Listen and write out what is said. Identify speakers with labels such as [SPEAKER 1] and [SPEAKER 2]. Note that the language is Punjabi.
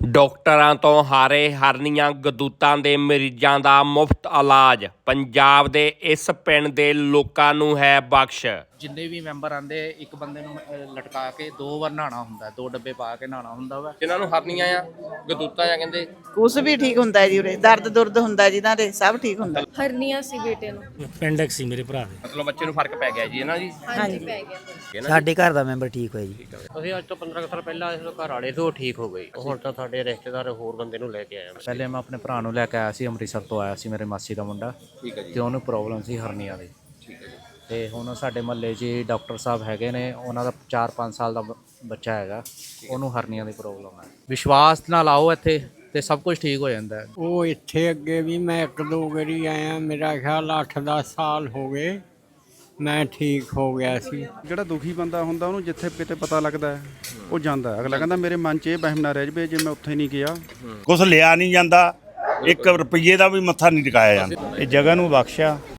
[SPEAKER 1] ਡਾਕਟਰਾਂ ਤੋਂ ਹਾਰੇ ਹਰਨੀਆਂ ਗਦੂਤਾਂ ਦੇ ਮਰੀਜ਼ਾਂ ਦਾ ਮੁਫਤ ਇਲਾਜ ਪੰਜਾਬ ਦੇ ਇਸ ਪਿੰਡ ਦੇ ਲੋਕਾਂ ਨੂੰ ਹੈ ਬਖਸ਼।
[SPEAKER 2] ਜਿੰਨੇ ਵੀ ਮੈਂਬਰ ਆਂਦੇ ਇੱਕ ਬੰਦੇ ਨੂੰ ਲਟਕਾ ਕੇ 2 ਵਾਰ ਨਹਾਣਾ ਹੁੰਦਾ, 2 ਡੱਬੇ ਪਾ ਕੇ ਨਹਾਣਾ ਹੁੰਦਾ ਵਾ।
[SPEAKER 1] ਜਿਨ੍ਹਾਂ ਨੂੰ ਹਰਨੀਆਂ ਆ ਗਦੂਤਾਂ ਆ ਕਹਿੰਦੇ
[SPEAKER 3] ਕੁਛ ਵੀ ਠੀਕ ਹੁੰਦਾ ਹੈ ਜੀ, ਉਰੇ ਦਰਦ ਦੁਰਦ ਹੁੰਦਾ ਜਿਨ੍ਹਾਂ ਦੇ ਸਭ ਠੀਕ ਹੁੰਦਾ।
[SPEAKER 4] ਹਰਨੀਆਂ ਸੀ ਬੇਟੇ ਨੂੰ,
[SPEAKER 5] ਅਪੈਂਡਿਕਸ ਸੀ ਮੇਰੇ ਭਰਾ ਦੇ।
[SPEAKER 1] ਮਤਲਬ ਬੱਚੇ ਨੂੰ ਫਰਕ ਪੈ ਗਿਆ ਜੀ ਇਹਨਾਂ ਜੀ।
[SPEAKER 4] ਹਾਂਜੀ ਪੈ ਗਿਆ।
[SPEAKER 5] ਸਾਡੇ ਘਰ ਦਾ ਮੈਂਬਰ ਠੀਕ ਹੋਇਆ ਜੀ।
[SPEAKER 6] ਅਸੀਂ ਅੱਜ ਤੋਂ 15 ਸਾਲ ਪਹਿਲਾਂ ਇਸ ਘਰ ਵਾਲੇ ਤੋਂ ਠੀਕ ਹੋ ਗਈ। ਹੁਣ ਤਾਂ ਸਾਡੇ ਰਿਸ਼ਤੇਦਾਰ ਹੋਰ ਬੰਦੇ ਨੂੰ ਲੈ ਕੇ ਆਏ।
[SPEAKER 2] ਪਹਿਲੇ ਮੈਂ ਆਪਣੇ ਭਰਾ ਨੂੰ ਲੈ ਕੇ ਆਇਆ ਸੀ, ਅੰਮ੍ਰਿਤਸਰ ਤੋਂ ਆਇਆ ਸੀ, ਮੇਰੇ ਮਾਸੀ ਦਾ ਮੁੰਡਾ।
[SPEAKER 1] ਠੀਕ ਹੈ ਜੀ।
[SPEAKER 2] ਤੇ ਉਹਨੂੰ ਪ੍ਰੋਬਲਮ ਸੀ ਹਰਨੀਆਂ ਦੀ।
[SPEAKER 1] ਠੀਕ ਹੈ ਜੀ।
[SPEAKER 2] ਤੇ ਹੁਣ ਸਾਡੇ ਮਹੱਲੇ 'ਚ ਡਾਕਟਰ ਸਾਹਿਬ ਹੈਗੇ ਨੇ, ਉਹਨਾਂ ਦਾ 4-5 ਸਾਲ ਦਾ ਬੱਚਾ ਹੈਗਾ, ਉਹਨੂੰ ਹਰਨੀਆਂ ਦੀ ਪ੍ਰੋਬਲਮ ਹੈ। ਵਿਸ਼ਵਾਸ ਨਾਲ ਆਓ ਇੱਥੇ ਤੇ ਸਭ ਕੁਝ ਠੀਕ ਹੋ ਜਾਂਦਾ ਹੈ।
[SPEAKER 7] ਉਹ ਇੱਥੇ ਅੱਗੇ ਵੀ ਮੈਂ 1-2 ਵਾਰੀ ਆਇਆ, ਮੇਰਾ ਖਿਆਲ 8-10 ਸਾਲ ਹੋ ਗਏ, ਮੈਂ ਠੀਕ ਹੋ ਗਿਆ ਸੀ।
[SPEAKER 8] ਜਿਹੜਾ ਦੁਖੀ ਬੰਦਾ ਹੁੰਦਾ ਉਹਨੂੰ ਜਿੱਥੇ ਕਿਤੇ ਪਤਾ ਲੱਗਦਾ ਉਹ ਜਾਂਦਾ। ਅਗਲਾ ਕਹਿੰਦਾ ਮੇਰੇ ਮਨ 'ਚ ਇਹ ਵਹਿਮ ਨਾ ਰਹਿ ਜਵੇ ਜੇ ਮੈਂ ਉੱਥੇ ਨਹੀਂ ਗਿਆ।
[SPEAKER 9] ਕੁਛ ਲਿਆ ਨਹੀਂ ਜਾਂਦਾ, 1 ਰੁਪਈਏ ਦਾ ਵੀ ਮੱਥਾ ਨਹੀਂ ਟਿਕਾਇਆ ਜਾਂਦਾ। ਇਹ ਜਗ੍ਹਾ ਨੂੰ ਬਖਸ਼ਿਆ